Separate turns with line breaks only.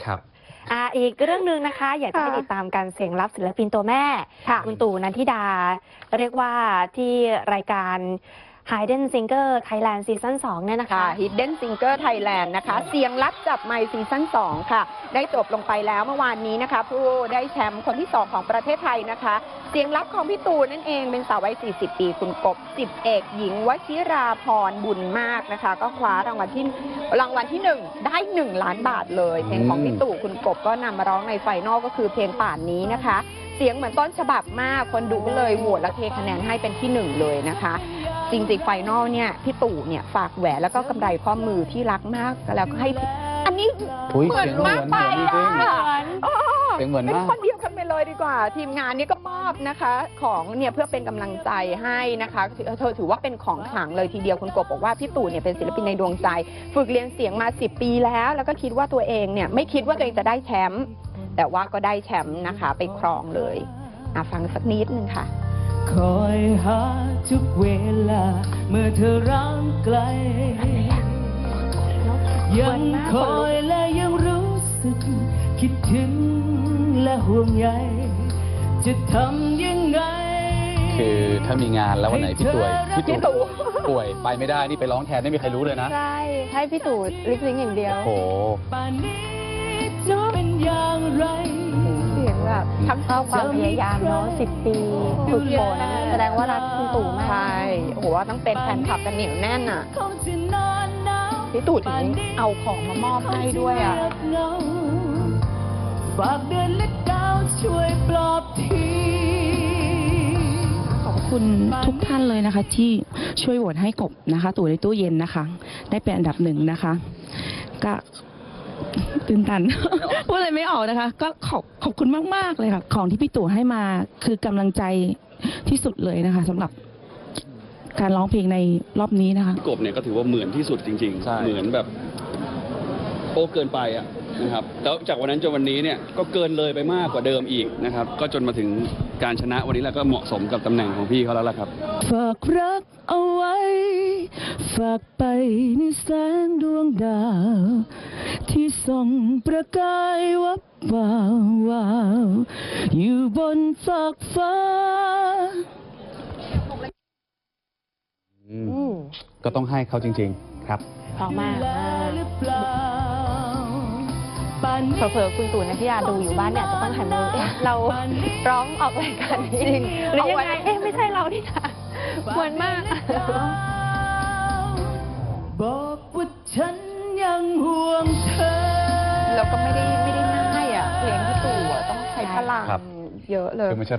ครับ
อีกเรื่องหนึ่งนะคะอยากจะให้ติดตามการเสียงลับศิลปินตัวแม่คุณตู่นันทิดาเรียกว่าที่รายการ Hidden Singer Thailand ซีซั่น 2เนี่ยนะคะ
Hidden Singer Thailand นะคะเสียงลับจับไมค์ซีซั่น 2 ค่ะได้จบลงไปแล้วเมื่อวานนี้นะคะผู้ได้แชมป์คนที่ 2 ของประเทศไทยนะคะเสียงลับของพี่ตูนนั่นเองเป็นสาววัย 40 ปีคุณกบ10 เอกหญิงวชิราพรบุญมากนะคะก็คว้ารางวัลที่ 1 ได้ 1 ล้านบาทเลยเพลงของพี่ตู่คุณกบก็นำมาร้องในไฟนอลก็คือเพลงป่านนี้นะคะเสียงเหมือนต้นฉบับมากคนดูก็เลยโหวตและเทคะแนนให้เป็นที่ 1เลยนะคะจริงๆไฟนอลเนี่ยพี่ตู่เนี่ยฝากแหวนแล้วก็กำไรข้อมือที่รักมากแล้วก็ให้อันนี้เหมือนมากไปเป็นเหมือนเป็นคนเดียวกันไปเลยดีกว่าทีมงานนี้ก็มอบนะคะของเนี่ยเพื่อเป็นกำลังใจให้นะคะเธอถือว่าเป็นของขลังเลยทีเดียวคุณกบบอกว่าพี่ตู่เนี่ยเป็นศิลปินในดวงใจฝึกเรียนเสียงมา10 ปีแล้วก็คิดว่าตัวเองเนี่ยไม่คิดว่าตัวเองจะได้แชมป์แต่ว่าก็ได้แชมป์นะคะไปครองเลยฟังสักนิดนึงค่ะ
คอยหาทุกเวลาเมื่อเธอร่างไกลยังคอยและยังรู้สึกคิดถึงและห่วงใยจะทำยังไง
คือถ้ามีงานแล้ววันไหนพี่ตู่ป่วยไปไม่ได้นี่ไปร้องแทนไม่มีใครรู้เลยนะ
ใช่ให้พี่ตู่ลิปซิงค์อย่างเดียว
โอ้
ป่านนี้จะเป็นอย่างไร
เสียงแบบทั้งความพยายามเนาะ10 ปีฝึกฝนแสดงว่ารักคุณตู่มาก
ใช่โอ้โหต้องเป็นแฟนคลับกันเหนียวแน่นอ่ะพี่ตู่ถึงเอาของมามอบให้ด้วยอ่ะ
ฝากเดือนและดาวช่วยปลอบที
ขอบคุณทุกท่านเลยนะคะที่ช่วยโหวตให้กบนะคะตู่ในตู้เย็นนะคะได้เป็นอันดับ1นะคะก็ตื่นตัน พูดอะไรไม่ออกนะคะก็ขอบคุณมากๆเลยค่ะของที่พี่ตู่ให้มาคือกำลังใจที่สุดเลยนะคะสำหรับการร้องเพลงในรอบนี้นะคะ
กบเนี่ยก็ถือว่าเหมือนที่สุดจริงๆเหมือนแบบโอ้เกินไปอ่ะนะครับแล้วจากวันนั้นจนวันนี้เนี่ยก็เกินเลยไปมากกว่าเดิมอีกนะครับก็จนมาถึงการชนะวันนี้แล้วก็เหมาะสมกับตำแหน่งของพี่เขาแล้วล่ะครับ
ฝากรักเอาไว้ฝากไปในแสงดวงดาวที่ส่องประกายวับวาวอยู่บนฟากฟ้า
ก็ต้องให้เขาจริงๆครับ
พอมากเผลอๆคุณตู่นันทิดาดูอยู่บ้านเนี่ยจะต้องหันมาเราร้องออกรายการนี้จริงหรือยังไงไม่ใช่เราที่ถ่ายเหมือนมาก
บอกว่าฉันยังห่วงเธอ
เราก็ไม่ได้ง่ายอ่ะเพลงพี่ตู่ต้องใช้พลังเยอะเลย